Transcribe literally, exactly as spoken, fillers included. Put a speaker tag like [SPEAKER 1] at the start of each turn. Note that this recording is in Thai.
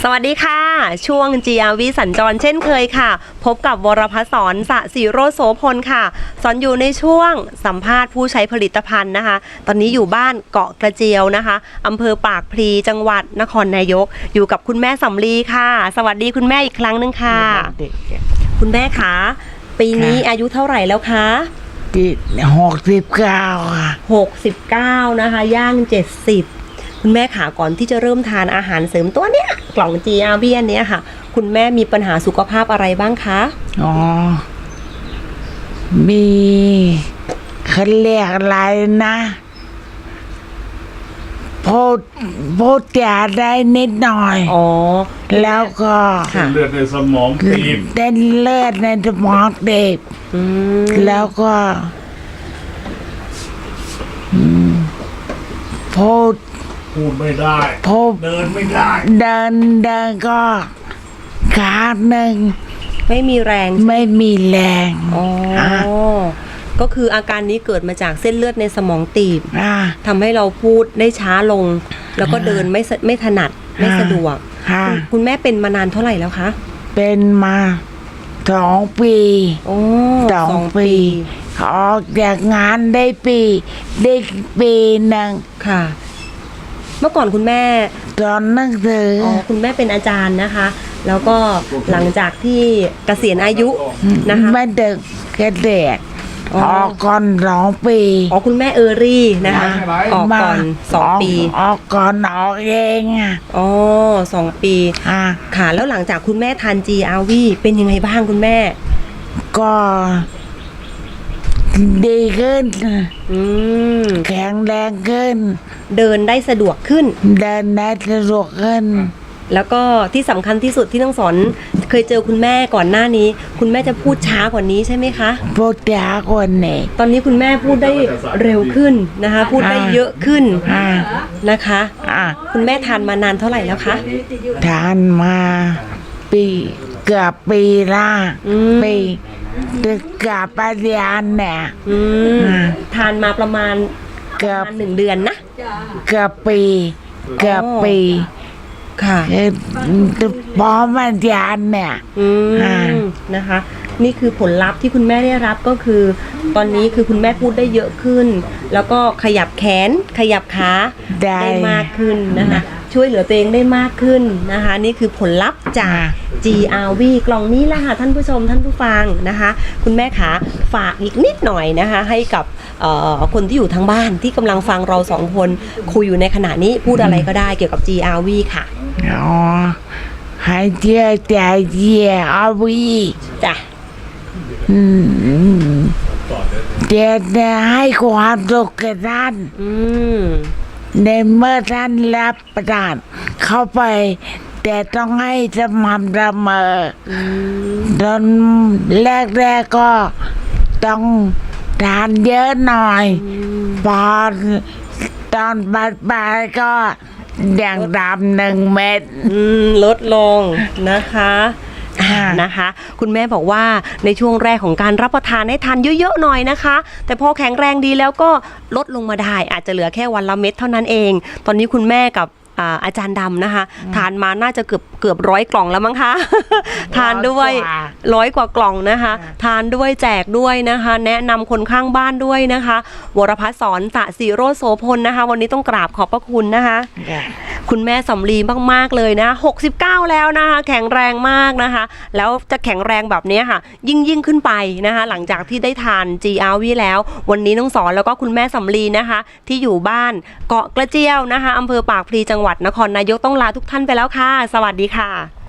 [SPEAKER 1] สวัสดีค่ะช่วง จี อาร์ วี สัญจรเช่นเคยค่ะพบกับวรพัฒน์สอนสศิโรจน์โสพลค่ะสอนอยู่ในช่วงสัมภาษณ์ผู้ใช้ผลิตภัณฑ์นะคะตอนนี้อยู่บ้านเกาะกระเจียวนะคะอำเภอปากพลีจังหวัดนครนายกอยู่กับคุณแม่สำลีค่ะสวัสดีคุณแม่อีกครั้งหนึ่งค่ะคุณแม่คะปีนี้อายุเท่าไหร่แล้วคะ
[SPEAKER 2] หกสิบเก้าค่ะ
[SPEAKER 1] หกสิบเก้านะคะย่างเจ็ดสิบคุณแม่ขาก่อนที่จะเริ่มทานอาหารเสริมตัวเนี้ยกล่อง จี อาร์ วี อันเนี้ยค่ะคุณแม่มีปัญหาสุขภาพอะไรบ้างคะ
[SPEAKER 2] อ๋อมีเขาเรียกอะไรนะพูดพูดจาได้นิดหน่อย
[SPEAKER 1] อ๋อ
[SPEAKER 2] แล้วก็
[SPEAKER 3] เลือดในสมองตีบ
[SPEAKER 2] เต้นเลือดในสมองตีบแล้วก็พูด
[SPEAKER 3] พูดไม่ได้
[SPEAKER 2] พูด
[SPEAKER 3] เดินไม่ได้
[SPEAKER 2] เดินเดินก็ขาหนึ่ง
[SPEAKER 1] ไม่มีแรง
[SPEAKER 2] ไม่มีแรง
[SPEAKER 1] อ๋อก็คืออาการนี้เกิดมาจากเส้นเลือดในสมองตีบทำให้เราพูดได้ช้าลงแล้วก็เดินไม่ไม่ถนัดไม่สะดวกคุณแม่เป็นมานานเท่าไหร่แล้วคะ
[SPEAKER 2] เป็นมาสองปี
[SPEAKER 1] สองปี
[SPEAKER 2] ออกจากงานได้ปีได้ปีหนึ่ง
[SPEAKER 1] ค่ะเมื่อก่อนคุณแม่
[SPEAKER 2] สอนหนังสือ
[SPEAKER 1] อ๋อคุณแม่เป็นอาจารย์นะคะแล้วก็หลังจากที่เกษียณอายุนะคะ
[SPEAKER 2] ไม่เด็กเกษียณออกก่อนสองปี
[SPEAKER 1] อ๋อคุณแม่เออรี่นะคะออกก่อนสองปี
[SPEAKER 2] ออกก่อนออกเองอ่ะ
[SPEAKER 1] อ๋อสองปีค่ะแล้วหลังจากคุณแม่ทาน จี อาร์ วี เป็นยังไงบ้างคุณแม่
[SPEAKER 2] ก็ดีขึ้นแข็งแรงขึ้น
[SPEAKER 1] เดินได้สะดวกขึ้น
[SPEAKER 2] เดินได้สะดวกขึ้น
[SPEAKER 1] แล้วก็ที่สำคัญที่สุดที่ต้องสอนเคยเจอคุณแม่ก่อนหน้านี้คุณแม่จะพูดช้ากว่านี้ใช่ไหมคะ
[SPEAKER 2] พูดช้ากว่านี้
[SPEAKER 1] ตอนนี้คุณแม่พูดได้เร็วขึ้นนะคะพูดได้เยอะขึ้นนะคะคุณแม่ทานมานานเท่าไหร่แล้วคะ
[SPEAKER 2] ทานมาปีเกือบปีละปีเกือบปฏิญาณเนี่ย
[SPEAKER 1] ทานมาประมาณเกือบหนึ่งเดือนนะ
[SPEAKER 2] เกือบปีเกือบปี
[SPEAKER 1] ค่ะ
[SPEAKER 2] พร้อมปฏิญาณเนี่ย
[SPEAKER 1] นะคะนี่คือผลลัพธ์ที่คุณแม่ได้รับก็คือตอนนี้คือคุณแม่พูดได้เยอะขึ้นแล้วก็ขยับแขนขยับขาได้มากขึ้นนะคะช่วยเหลือตัวเองได้มากขึ้นนะคะนี่คือผลลัพธ์จาก จี อาร์ วี กล่องนี้แหละค่ะท่านผู้ชมท่านผู้ฟังนะคะคุณแม่ขาฝากอีกนิดหน่อยนะคะให้กับคนที่อยู่ทางบ้านที่กำลังฟังเราสองคนคุยอยู่ในขณะนี้พูดอะไรก็ได้เกี่ยวกับ จี อาร์ วี ค่ะ
[SPEAKER 2] อ๋อให้เจียใจเจียอาวี
[SPEAKER 1] จ้ะ
[SPEAKER 2] เดี๋ยวจะให้ความสุขแก่ท่านในเมื่อท่านรับประทานเข้าไปแต่ต้องให้สม่ำเสมอตอนแรกๆก็ต้องทานเยอะหน่อยพอตอนปลายๆก็อย่างดำหนึ่งเม็ด
[SPEAKER 1] ลดลงนะคะนะคะคุณแม่บอกว่าในช่วงแรกของการรับประทานให้ทานเยอะๆหน่อยนะคะแต่พอแข็งแรงดีแล้วก็ลดลงมาได้อาจจะเหลือแค่วันละเม็ดเท่านั้นเองตอนนี้คุณแม่กับอาจารย์ดำนะคะทานมาน่าจะเกือบเกือบร้อยกล่องแล้วมั้งคะทานด้วยร้อยกว่ากล่องนะคะทานด้วยแจกด้วยนะคะแนะนำคนข้างบ้านด้วยนะคะวรพัฒน์สอนสศิโรจน์โสพลนะคะวันนี้ต้องกราบขอบพระคุณนะคะคุณแม่สำลีมากๆเลยนะหกสิบเก้าแล้วนะคะแข็งแรงมากนะคะแล้วจะแข็งแรงแบบนี้ค่ะยิ่งยิ่งขึ้นไปนะคะหลังจากที่ได้ทาน จี อาร์ วี แล้ววันนี้น้องสอนแล้วก็คุณแม่สำลีนะคะที่อยู่บ้านเกาะกระเจียวนะคะอำเภอปากพลีจังหวัดนครนายกต้องลาทุกท่านไปแล้วค่ะสวัสดีค่ะ